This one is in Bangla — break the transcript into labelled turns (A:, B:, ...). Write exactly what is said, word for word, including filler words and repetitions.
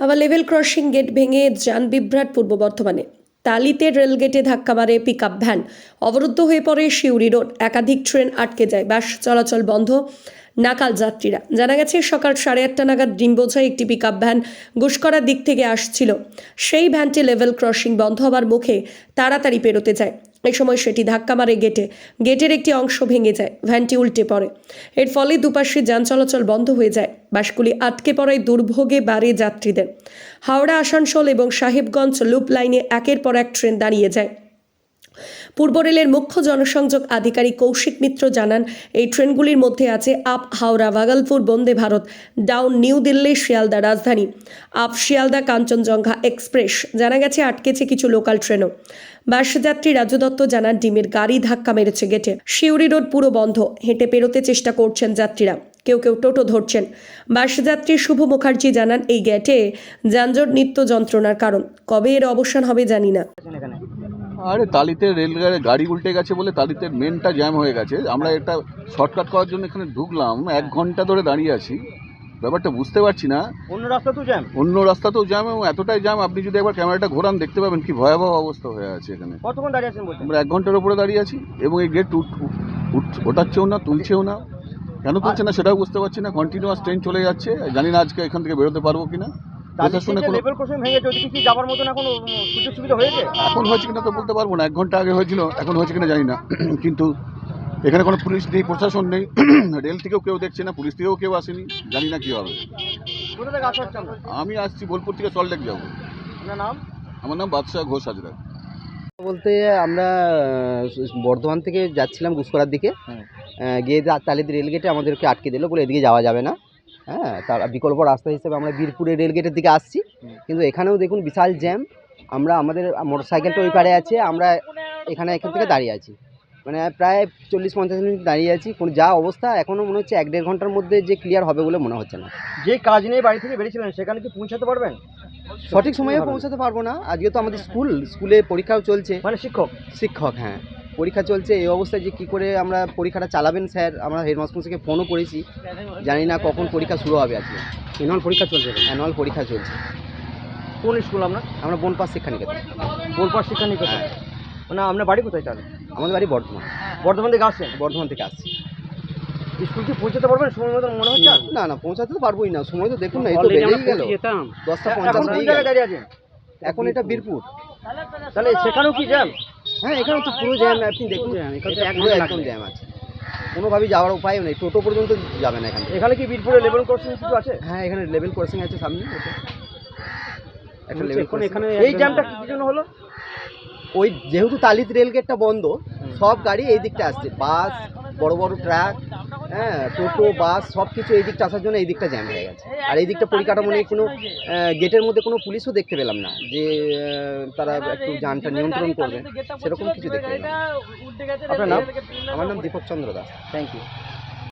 A: আবার লেভেল ক্রসিং গেট ভেঙে যান বিভ্রাট পূর্ব বর্ধমানে। তালিতে রেলগেটে ধাক্কা মারে পিকআপ ভ্যান, অবরুদ্ধ হয়ে পড়ে শিউরি রোড। একাধিক ট্রেন আটকে যায়, বাস চলাচল বন্ধ, নাকাল যাত্রীরা। জানা গেছে সকাল সাড়ে আটটা নাগাদ ডিমবোঝায় একটি পিকআপ ভ্যান গুসকরার দিক থেকে আসছিল। সেই ভ্যানটি লেভেল ক্রসিং বন্ধ হবার মুখে তাড়াতাড়ি পেরোতে যায়। এই সময় সেটি ধাক্কা মারে গেটে। গেটের একটি অংশ ভেঙে যায়, ভ্যানটি উল্টে পড়ে। এর ফলে দুপাশে যান চলাচল বন্ধ হয়ে যায়। বাসগুলি আটকে পড়ায় দুর্ভোগে বাড়ে যাত্রীদের। হাওড়া, আসানসোল এবং সাহেবগঞ্জ লুপ লাইনে একের পর এক ট্রেন দাঁড়িয়ে যায়। পূর্ব রেলের মুখ্য জনসংযোগ আধিকারিক কৌশিক মিত্র জানান, এই ট্রেনগুলির মধ্যে আছে up Howrah Bhagalpur Vande Bharat, down New Delhi Sealdah Rajdhani, up Sealdah Kanchenjunga express. জানা গেছে আটকেছে কিছু লোকাল ট্রেনও। বাসযাত্রী রাজু দত্ত জানান, ডিমের গাড়ি ধাক্কা মেরেছে গেটে। শিউরি রোড পুরো বন্ধ, হেঁটে পেরোতে চেষ্টা করছেন যাত্রীরা, কেউ কেউ টোটো ধরছেন। বাসযাত্রী শুভ মুখার্জি জানান, এই গেটে যানজট নিত্য যন্ত্রণার কারণ। কবে এর অবসান হবে জানি না।
B: আরে তালিতে রেলগাড়ি গাড়ি উল্টে গেছে বলে তালিতে মেনটা জ্যাম হয়ে গেছে। আমরা একটা শর্টকাট করার জন্য এখানে ঢুকলাম, এক ঘন্টা ধরে দাঁড়িয়ে আছি। ব্যাপারটা বুঝতে পারছি না।
C: অন্য রাস্তাতেও জ্যাম
B: অন্য রাস্তাতেও জ্যাম এবং এতটাই জ্যাম, আপনি যদি একবার ক্যামেরাটা ঘোরান দেখতে পাবেন কি ভয়াবহ অবস্থা হয়ে আছে এখানে।
C: কতক্ষণ দাঁড়িয়ে আছেন বলছেন?
B: আমরা এক ঘন্টার উপরে দাঁড়িয়ে আছি এবং এই গেট ওঠাচ্ছেও না, তুলছেও না। কেন তুলছে না সেটাও বুঝতে পারছি না। কন্টিনিউয়াস ট্রেন চলে যাচ্ছে, জানি না আজকে এখান থেকে বেরোতে পারবো কিনা। প্রশাসনে কোনো
C: লেভেল ক্রসিং ভেঙে গেছে, ওদিকে কি যাবার মতন এখন সুযোগ সুবিধা হয়েছে?
B: এখন হয়েছে কিনা তো বলতে পারবো না। এক ঘন্টা আগে হয়েছিল, এখন হয়েছে কিনা জানি না। কিন্তু এখানে কোনো পুলিশ নেই, প্রশাসন নেই, রেল থেকেও কেউ দেখছে না, পুলিশ থেকেও কেউ আসেনি, জানি না কী হবে।
C: কোথা থেকে আসা হচ্ছে আপনার?
B: আমি আসছি বোলপুর থেকে সল্টলেক যাবো।
C: আপনার নাম?
B: আমার নাম বাদশাহ ঘোষ হাজরা।
D: বলতে আমরা বর্ধমান থেকে যাচ্ছিলাম গুসকরার দিকে, গিয়ে তালিদ রেলগেটে আমাদেরকে আটকে দিল, বলে এদিকে যাওয়া যাবে না। হ্যাঁ, তার বিকল্প রাস্তা হিসেবে আমরা বীরপুরের রেলগেটের দিকে আসছি, কিন্তু এখানেও দেখুন বিশাল জ্যাম। আমরা আমাদের মোটর সাইকেলটা ওই পারে আছে, আমরা এখানে এখান থেকে দাঁড়িয়ে আছি, মানে প্রায় চল্লিশ পঞ্চাশ মিনিট দাঁড়িয়ে আছি। কোনো যা অবস্থা, এখনও মনে হচ্ছে এক দেড় ঘন্টার মধ্যে যে ক্লিয়ার হবে বলে মনে হচ্ছে না।
C: যে কাজ নিয়ে বাড়ি থেকে বেরিয়েছিলেন সেখানে কি পৌঁছাতে পারবেন?
D: সঠিক সময়ে পৌঁছাতে পারবো না। আজকে তো আমাদের স্কুল স্কুলে পরীক্ষাও চলছে,
C: মানে শিক্ষক
D: শিক্ষক হ্যাঁ পরীক্ষা চলছে। এই অবস্থায় যে কী করে আমরা পরীক্ষাটা চালাবেন স্যার, আমরা হেডমাস্টারকে ফোনও করেছি, জানি না কখন পরীক্ষা শুরু হবে। আজকে
C: অ্যানুয়াল পরীক্ষা চলছে।
D: অ্যানুয়াল পরীক্ষা চলছে।
C: কোন স্কুল আপনার?
D: আমরা বনপাস শিক্ষা নিকেতন।
C: বোলপাট শিক্ষা নিকেতন। মানে আপনার বাড়ি কোথায় তাহলে?
D: আমাদের বাড়ি বর্ধমান।
C: বর্ধমান থেকে আসছেন?
D: বর্ধমান থেকে আসছি।
C: স্কুল কি পৌঁছাতে পারবেন সময় মতো মনে হচ্ছে?
D: না না, পৌঁছাতে তো পারবোই না। সময় তো দেখুন না, এই তো বেরিয়ে গেল দশটা পঞ্চাশ হয়ে গেল।
C: দাঁড়িয়ে আছেন
D: এখন এটা বীরপুর,
C: তাহলে সেখানেও কি জ্যাম?
D: হ্যাঁ এখানে তো পুরো জ্যাম। আপনি দেখুন পুরো একদম জ্যাম আছে, কোনোভাবেই যাওয়ার উপায়ও নেই। টোটো পর্যন্ত যাবে না এখান থেকে।
C: এখানে কি বীরপুরে লেভেল ক্রসিং কিছু আছে?
D: হ্যাঁ এখানে লেভেল ক্রসিং আছে সামনে, একটা লেভেল ক্রসিং।
C: এখানে এই জ্যামটা কি জন্য হলো?
D: ওই যেহেতু তালিদ রেলগেটটা বন্ধ, সব গাড়ি এই দিকটা আসছে, বাস, বড় বড় ট্রাক, হ্যাঁ টোটো, বাস, সব কিছু এই দিকটা আসার জন্য এই দিকটা জ্যাম হয়ে গেছে। আর এই দিকটা পরিকাঠামো নেই, কোনো গেটের মধ্যে কোনো পুলিশও দেখতে পেলাম না যে তারা একটু যানটা নিয়ন্ত্রণ করবে, সেরকম কিছু দেখতে পেলাম না।
C: আপনার নাম?
D: আমার নাম দীপক চন্দ্র দাস।
C: Thank you.